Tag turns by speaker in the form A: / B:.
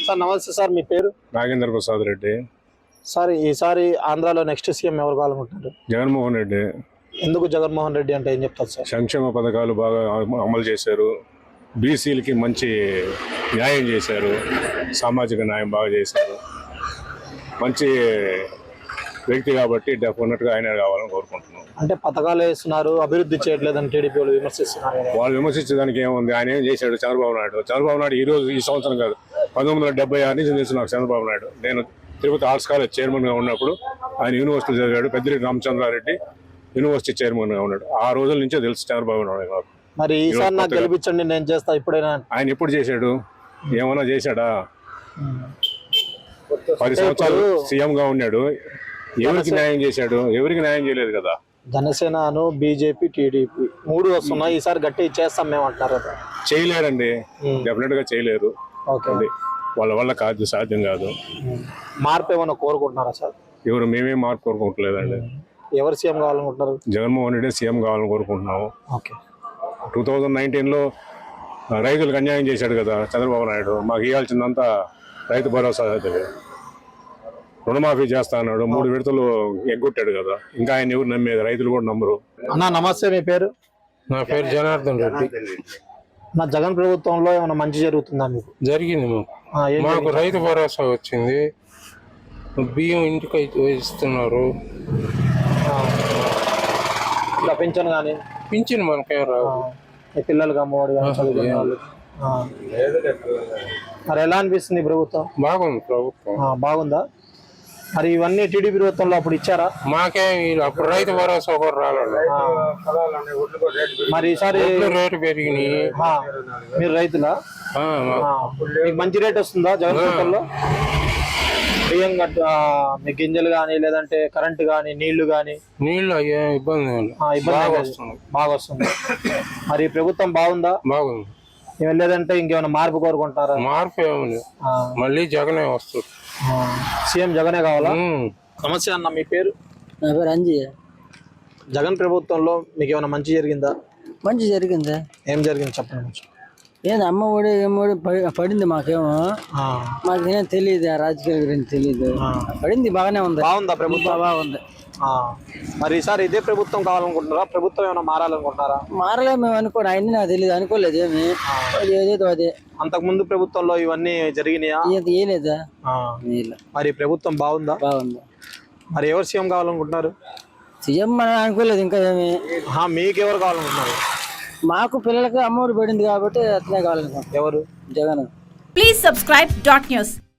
A: Sir నమస్తే sir, మీ పేరు?
B: Nagendra Prasad Reddy.
A: Sir ఈసారి ఆంధ్రాలో నెక్స్ట్ సీఎం ఎవరు కావాలనుకుంటారు?
B: జగన్మోహన్ రెడ్డి.
A: ఎందుకు జగన్మోహన్ రెడ్డి అంటే ఏం చెప్తారు సార్?
B: సంక్షేమ పథకాలు బాగా అమలు చేశారు, బీసీలకి మంచి న్యాయం చేశారు, సామాజిక న్యాయం బాగా చేశారు, మంచి వ్యక్తి కాబట్టి డెఫినెట్గా ఆయన కావాలని కోరుకుంటున్నాం.
A: అంటే పథకాలు వేస్తున్నారు, అభివృద్ధి చేయట్లేదని టీడీపీ వాళ్ళు విమర్శిస్తున్నారు.
B: వాళ్ళు విమర్శించడానికి ఏముంది, ఆయన ఏం చేశాడు? చంద్రబాబు నాయుడు ఈ సంవత్సరం కాదు, 1976 నుంచి తెలుసు నాకు చంద్రబాబు నాయుడు. నేను తిరుపతి ఆర్ట్స్ కాలేజ్ చైర్మన్గా ఉన్నప్పుడు ఆయన యూనివర్సిటీ చదివాడు. పెద్దిరెడ్డి రామచంద్రారెడ్డి యూనివర్సిటీ చైర్మన్గా ఉన్నాడు. ఆ రోజుల నుంచే తెలుసు చంద్రబాబు నాయుడు నాకు.
A: మరి ఈసారి నాకు గెలిపించండి, నేను చేస్తా. ఇప్పుడైనా ఆయన
B: ఎప్పుడు చేశాడు? ఏమన్నా చేశాడా? 10 సంవత్సరాలు సీఎంగా ఉన్నాడు. ఎవరికి న్యాయం చేశాడు? ఎవరికి న్యాయం చేయలేదు కదా.
A: జనసేనను, బీజేపీ, టీడీపీ 3 వస్తున్నాయి. ఈసారి గట్టి చేస్తాం మేము అంటున్నారు కదా.
B: చేయలేరండి, డెఫినెట్ గా చేయలేరు. వాళ్ళ వల్ల కాదు, సాధ్యం కాదు.
A: మార్పు ఏమైనా కోరుకుంటున్నారా సార్?
B: మేమేం మార్పు కోరుకోవట్లేదండి.
A: ఎవరు సీఎం కావాలనుకుంటున్నారు?
B: జగన్మోహన్ రెడ్డి సీఎం కావాలని కోరుకుంటున్నాము. 2019లో రైతులకు అన్యాయం చేశాడు కదా చంద్రబాబు నాయుడు. మాకు ఇవ్వాల్సిందంతా రైతు భరోసా, రుణమాఫీ చేస్తా అన్నాడు. 3 విడతలు ఎగ్గొట్టాడు కదా. ఇంకా ఆయన ఎవరు నమ్మేది? రైతులు కూడా నమ్మరు.
A: అన్నా నమస్తే, మీ పేరు?
C: నా పేరు జనార్దన్ రెడ్డి.
A: నా జగన్ ప్రభుత్వంలో ఏమైనా మంచి జరుగుతుందా మీకు?
C: జరిగింది. మాకు రైతు భరోసా వచ్చింది, బియ్యం ఇంటికి ఇస్తున్నారు.
A: ఇంకా పింఛన్ కానీ?
C: పింఛన్ మనకేం రాదు.
A: పిల్లలకి అమ్మఒడి కానీ చదువుకునే వాళ్ళు. మరి ఎలా అనిపిస్తుంది ప్రభుత్వం?
C: బాగుంది ప్రభుత్వం.
A: బాగుందా? మరి ఇవన్నీ టీడీపీ ప్రభుత్వంలో అప్పుడు ఇచ్చారా?
C: మాకేం అప్పుడు రైతు భరోసా కూడా రాలేదు.
A: మరి ఈసారి
C: రేటు పెరిగినాయి.
A: మీరు రైతులా? మీకు మంచి రేట్ వస్తుందా జగన్ ప్రభుత్వంలో? బియ్యం మీ గింజలు కానీ, లేదంటే కరెంటు కానీ, నీళ్లు కానీ?
C: నీళ్లు అయ్యే ఇబ్బంది
A: బాగా వస్తుంది. మరి ప్రభుత్వం బాగుందా?
C: బాగుంది.
A: లేదంటే ఇంకేమైనా మార్పు కోరుకుంటారా?
C: మార్పు ఏమి, మళ్ళీ జగనే వస్తుంది.
A: సీఎం జగనే కావాలా? నమస్తే అన్న, మీ పేరు?
D: నా పేరు అంజయ్య.
A: జగన్ ప్రభుత్వంలో మీకు ఏమైనా మంచి జరిగిందా?
D: మంచి జరిగిందా?
A: ఏం జరిగింది చెప్పండి.
D: ఏంది అమ్మ ఒడి ఏమోడి పడింది. మాకేమో మాకేం తెలియదు, ఆ రాజకీయాల గురించి తెలియదు. పడింది, బాగానే ఉంది.
A: బాగుందా ప్రభుత్వం?
D: బాగుంది.
A: మరి ఈసారి ఇదే ప్రభుత్వం కావాలనుకుంటున్నారా? ప్రభుత్వం ఏమైనా మారాలనుకుంటున్నారా?
D: మారలే మేము అనుకోండి, ఆయన్ని నాకు తెలియదు, అనుకోలేదు. ఏమి ఏదేదో అదే.
A: అంతకు ముందు ప్రభుత్వంలో ఇవన్నీ జరిగినాయా?
D: ఏలేదా?
A: మరి ప్రభుత్వం బాగుందా?
D: బాగుంది.
A: మరి ఎవరు సీఎం కావాలనుకుంటున్నారు?
D: సీఎం మనం అనుకోలేదు ఇంకా ఏమి.
A: మీకు ఎవరు కావాలనుకుంటున్నారు?
D: మాకు పిల్లలకి అమ్మఒడి పడింది కాబట్టి అతనే కావాలనుకుంటున్నాం.
A: ఎవరు?
D: జగన్.
E: Please subscribe .news.